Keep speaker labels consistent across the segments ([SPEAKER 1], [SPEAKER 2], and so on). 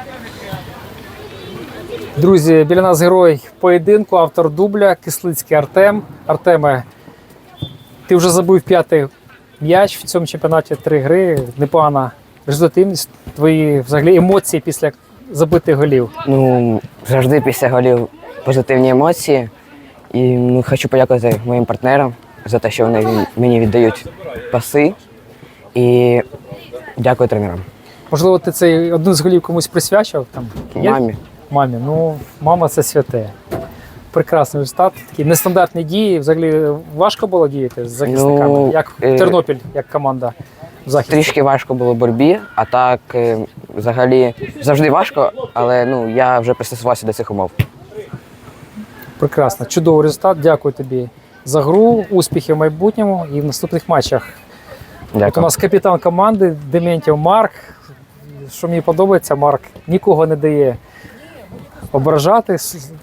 [SPEAKER 1] Друзі, біля нас герой поєдинку, автор дубля, Кислицький Артем. Артеме, ти вже забив 5-й м'яч в цьому чемпіонаті, 3 гри. Непогана результативність. Твої взагалі емоції після забитих голів.
[SPEAKER 2] Ну, завжди після голів позитивні емоції. І хочу подякувати моїм партнерам за те, що вони мені віддають паси. І дякую тренерам.
[SPEAKER 1] Можливо, ти цей один з голів комусь присвячував? Там, є?
[SPEAKER 2] Мамі.
[SPEAKER 1] Мамі. Ну, мама – це святе. Прекрасний результат. Такі нестандартні дії. Взагалі важко було діяти з захисниками?
[SPEAKER 2] Ну,
[SPEAKER 1] як Тернопіль, як команда в захисті?
[SPEAKER 2] Трішки важко було в боротьбі, а так взагалі завжди важко, але я вже пристосувався до цих умов.
[SPEAKER 1] Прекрасно. Чудовий результат. Дякую тобі за гру, успіхів в майбутньому і в наступних матчах.
[SPEAKER 2] Дякую.
[SPEAKER 1] От у нас капітан команди Дементьєв Марк. Що мені подобається, Марк нікого не дає ображати.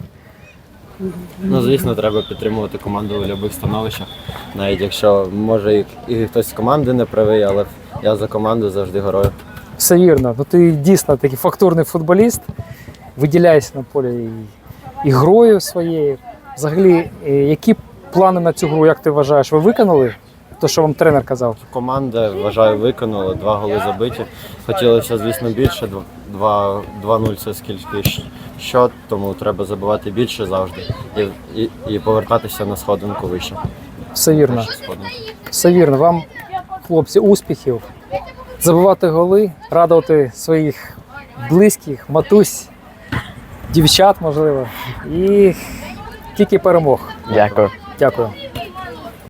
[SPEAKER 3] Ну, звісно, треба підтримувати команду у будь-яких становищах. Навіть якщо, може, і хтось з команди не правий, але я за команду завжди горою.
[SPEAKER 1] Все вірно. Ну, ти дійсно такий фактурний футболіст, виділяєшся на полі і грою своєю. Взагалі, які плани на цю гру, як ти вважаєш, ви виконали? Те, що вам тренер казав?
[SPEAKER 3] Команда, вважаю, виконала, 2 голи забиті. Хотілося, звісно, більше, 2-0 це скільки счет, тому треба забивати більше завжди і повертатися на сходинку вище.
[SPEAKER 1] Все вірно. Все вірно. Вам, хлопці, успіхів. Забивати голи, радувати своїх близьких, матусь, дівчат, можливо. І тільки перемог.
[SPEAKER 2] Дякую.
[SPEAKER 1] Дякую.